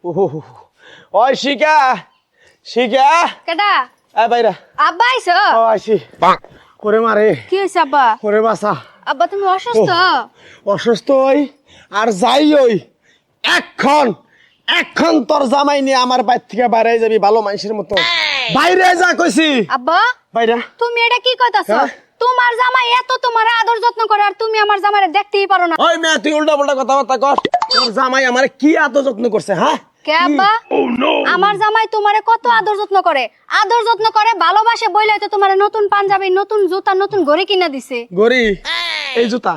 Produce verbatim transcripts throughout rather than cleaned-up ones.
ওহো ওই শিকা শিকা কেডা এ বাইরা আব্বা আইছো ও আইছি ওরে মারে কি হইছে আব্বা ওরে বাসা আব্বা তুমি অসুস্থ অসুস্থ হই আর যাই ওই এখন এখন তোর জামাই নিয়ে আমার বাইর থেকে বাইরে যাবি ভালো মানুষের মতো বাইরে যা কইছি আব্বা বাইরা তুমি এটা কি কইতাছো হ্যাঁ? তোমার জামাই এত তোমার আদর যত্ন করে আর তুমি আমার জামাইরে দেখতেই পারো না ওই মেয়ে তুই উল্টা পাল্টা কথাবার্তা কর তোর জামাই আমার কি এত যত্ন করছে হ্যাঁ কে আব্বা আমার জামাই তোমারে কত আদর যত্ন করে আদর যত্ন করে ভালোবাসে বইলাই তো তোমারে নতুন পাঞ্জাবি নতুন জুতা নতুন ঘড়ি কিনা দিছে গরি এই জুতা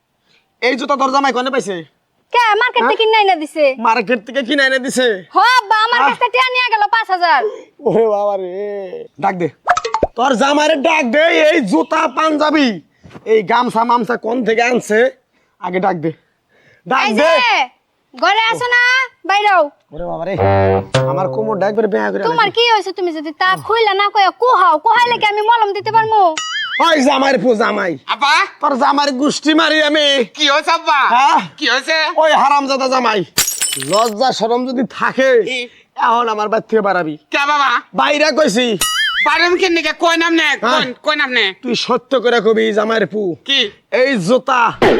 এই জুতা তোর জামাই কোনে পাইছে কে মার্কেট থেকে কিনা এনে দিছে মার্কেট থেকে কিনে এনে দিছে হ আব্বা আমার কাছ থেকে টিয়া নিয়ে গেল পাঁচ হাজার ওরে বাবা রে ডাক দে তোর জামাইরে ডাক দে এই জুতা পাঞ্জাবি এই গামছা মামছা কোন থেকে আনছে আগে ডাক দে ডাক এই দে যে ঘরে আসো না বাইরেও ওরে বাবা রে আমার কোমর ডাক করে বেয়া করে তোমার কি হইছে তুমি যদি তা খুইলা না কইয়া কুহাও কুহাইলে কি আমি মলম দিতে পারমু ওই জামাইর পু জামাই আব্বা তোর জামাইর গুষ্টি মারি আমি কি হয়েছে আব্বা হ্যাঁ কি হয়েছে ওই হারামজাদা জামাই লজ্জা শরম যদি থাকে কি? এখন আমার বাড়ি থেকে বাড়াবি কে বাবা বাইরে কইছি বাড়ির কেন নাকি কই নাম নে হ্যাঁ। কই নাম নে তুই সত্য করে কবি জামাইর পু কি এই জুতা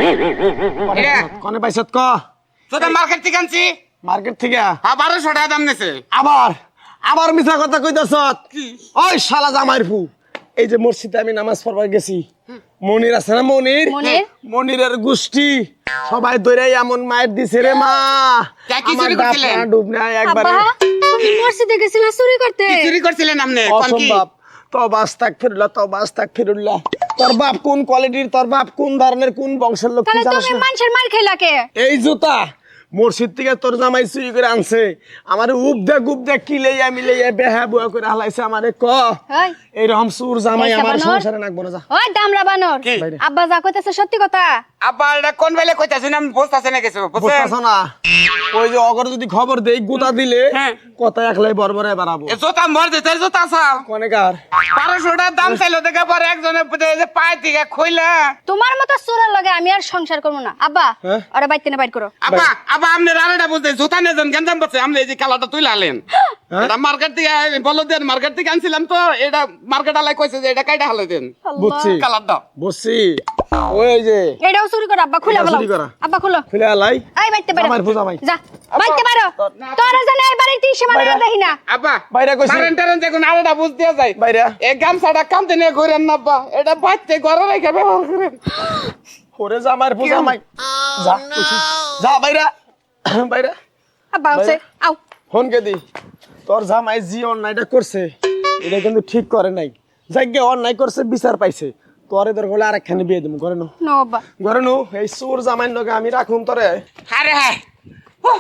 এটা? কনে পাইছত ক তোটা মার্কেট থেকে আনছি মার্কেট থেকে হ্যাঁ বারোশো টাকা দাম নেছে আবার আবার মিছা কথা কইতাছ ওই শালা জামাইর পু এই যে মসজিদে আমি নামাজ পড়বার গেছি মনির আছে না মনির মনির? মনিরের গোষ্ঠী সবাই ধরে এমন মায়ের দিছে রে মা তা কি আমার চুরি বাপ করছিলেন? মা ডুব নাই একবারে আব্বা তুমি মসজিদে গেছিলা চুরি করতে কি চুরি করছিলেন আপনি কোন কি অসম্ভব তো বাস্তাক ফিরুল্লাহ তো বাস্তাক ফিরুল্লাহ তোর বাপ কোন কোয়ালিটির তোর বাপ কোন ধরনের কোন বংশের লোক তুই তাহলে জানিস তুমি না? মানুষের মার খাইলা কে এই জুতা মসজিদ থেকে তোর জামাই চুরি করে আনছে আমার উপ দে গুপ দে কি লইয়া মিলাইয়া বেহা বুয়া করে হালাইছে আমারে ক ওই এইরকম সুর জামাই পয়সা আমার বানর। সংসারে নাকবো না যা ওই দামরা বানর কি? আব্বা যা কইতাছে সত্যি কথা আব্বা এটা কোন বেলে কইতাছ না বসতাছে না কিছু বুঝছেন বুঝতেছ না ওই যে অগর যদি খবর দেই গুতা দিলে হ্যাঁ। কথা একলাই বরবরে বাড়াবো এ জোতা মর দে তোর জোতা সাল কনেকার বারোশো টাকা দাম চাইলো দেখে পরে একজনের এই যে পায়ে থেকে খইলা তোমার মতো চোরের লগে আমি আর সংসার করবো না আব্বা হ্যাঁ? ওরা বাইতে না বাইট করো আব্বা আব্বা আপনি রান্নাটা বুঝতে জোতা নিয়ে যান গেঞ্জাম পাচ্ছে আপনি এই যে কালাটা তুই লালেন হ্যাঁ? এটা মার্কেট থেকে বলো দেন মার্কেট থেকে আনছিলাম তো এটা মার্কেট আলাই কইছে যে এটা কাইটা হালাই দেন বুঝছি কালারটা বুঝছি ওই যে এটাও চুরি করো আব্বা খুলে এটা বলো চুরি করা। আব্বা খুলো ফেলে আলাই এই বাইতে বাইরো জামাইর পূজা জামাই। যা বাইতে বাইরো তোরা জানে এই বাড়িতে সীমা বাইরে। দেখি না আব্বা বাইরে কইছি। মারেন টারেন দেখুন আলাদা বুঝতে যায় বাইরে। এই গামছাটা কামতে নিয়ে ঘুরেন না আব্বা এটা বাচ্চা ঘরে রেখে ব্যবহার করেন ওরে জামাইর পূজা জামাই যা কইছি। যা বাইরা বাইরা আব্বা হচ্ছে আও ফোন কে দি তোর জামাই জি অন্যায়টা করছে এটা কিন্তু ঠিক করে নাই যাকে অন্যায় করছে বিচার পাইছে তোরে তোর হলে আরেকখানে বিয়ে দেবো ঘরে নো নো আব্বা ঘরে নো এই সুর জামাইর লগে আমি রাখুন তোরে আরে হ্যাঁ উহ,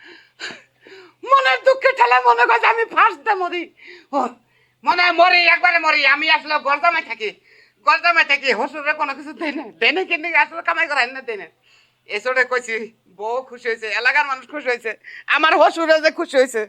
মনের দুঃখে ঠেলে মনে করছে আমি ফার্স্ট মরি উহ, মনে হয় মরি একবারে মরি আমি আসলে গরদামে থাকি গরদামে থাকি হসুরে কোনো কিছু দেয় না দেয় না কিন্তু আসলে কামাই করাই না দেয় না এসরে কইছি বউ খুশি হয়েছে এলাকার মানুষ খুশি হয়েছে আমার হসুরে যে খুশি হয়েছে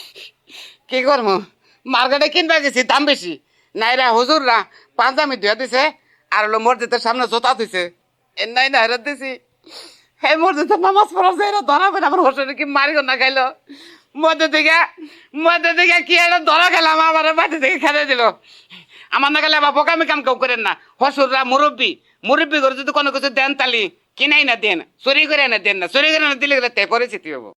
কি করবো মার্কেটে কিনবা গেছি দাম বেশি নাইরা হুজুররা পাঞ্জামি ধুয়ে দিছে আর হলো মসজিদের সামনে জোতা দিছে এর নাই না হেরত দিছি হে মসজিদের নামাজ পড়া যায় না ধরা পেন আমার হোসেন কি মারিও না খাইলো মধ্যে থেকে মধ্যে থেকে কি একটা ধরা খেলাম আমার বাড়ি থেকে খেলে দিল আমার না গেলে আবার বোকামি কাম কেউ করেন না হসুররা মুরব্বী মুরব্বী করে যদি কোনো কিছু দেন তালি কিনাই না দেন চুরি করে না দেন না চুরি করে না দিলে গেলে তে পরিচিতি হবো